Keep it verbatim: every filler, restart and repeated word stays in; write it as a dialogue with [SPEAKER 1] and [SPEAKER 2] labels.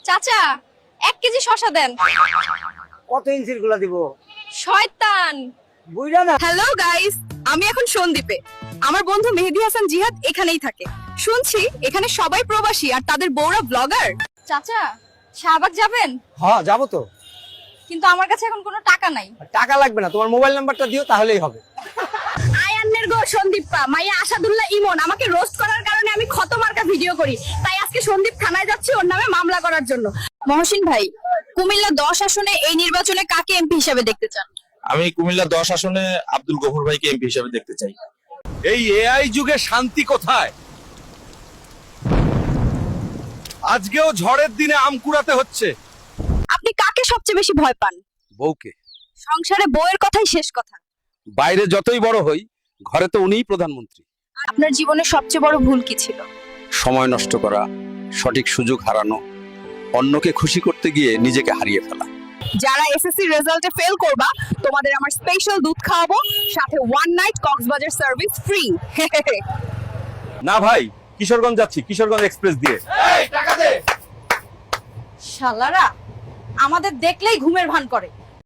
[SPEAKER 1] চাচা এক কেজি শসা দেন।
[SPEAKER 2] কত ইঞ্চির গুলা দিব?
[SPEAKER 1] শয়তান।
[SPEAKER 2] বুঝলা না?
[SPEAKER 3] হ্যালো গাইস, আমি এখন সন্দ্বীপে। আমার বন্ধু মেহেদী হাসান জিহাদ এখানেই থাকে। শুনছি এখানে সবাই প্রবাসী আর তাদের বউরা ব্লগার।
[SPEAKER 1] চাচা শাহবাগ যাবেন?
[SPEAKER 2] হ্যাঁ যাবো তো।
[SPEAKER 1] কিন্তু আমার কাছে এখন কোনো টাকা নাই।
[SPEAKER 2] টাকা লাগবে না, তোমার মোবাইল নাম্বারটা দিও তাহলেই হবে।
[SPEAKER 3] আয়ান্নের গো সন্দীপা মাইয়া আসাদুল্লাহ ইমন আমাকে রোস্ট করার কারণে আমি ক্ষত মার্কা ভিডিও করি, তাই আজকে সন্দীপ থানায় যাচ্ছি ওর নামে মামলা করার জন্য। মহসিন ভাই, কুমিল্লা দশ আসনে এই নির্বাচনে কাকে এমপি হিসেবে দেখতে চান?
[SPEAKER 4] আমি কুমিল্লা দশ আসনে আব্দুল গফুর ভাইকে এমপি হিসেবে দেখতে চাই।
[SPEAKER 5] এই এআই যুগে শান্তি কোথায়? আজকেও ঝড়ের দিনে আম কুড়াতে হচ্ছে।
[SPEAKER 3] আপনি কাকে সবচেয়ে বেশি ভয় পান?
[SPEAKER 5] বউকে।
[SPEAKER 3] সংসারে বউয়ের কথাই শেষ কথা।
[SPEAKER 5] বাইরে যতই বড় হই, ঘরে তো উনিই প্রধানমন্ত্রী।
[SPEAKER 3] আপনার জীবনের সবচেয়ে বড় ভুল কি ছিল?
[SPEAKER 5] সময় নষ্ট করা, সঠিক সুযোগ হারানো, অন্যকে খুশি করতে গিয়ে নিজেকে হারিয়ে ফেলা।
[SPEAKER 3] যারা এসএসসি রেজাল্টে ফেল করবা তোমাদের আমার স্পেশাল দুধ খাওয়াবো, সাথে one night Cox's Bazar service free.
[SPEAKER 5] না ভাই, কিশোরগঞ্জ যাচ্ছি, কিশোরগঞ্জ এক্সপ্রেস দিয়ে।
[SPEAKER 1] শালারা আমাদের দেখলেই ঘুমের ভান করে।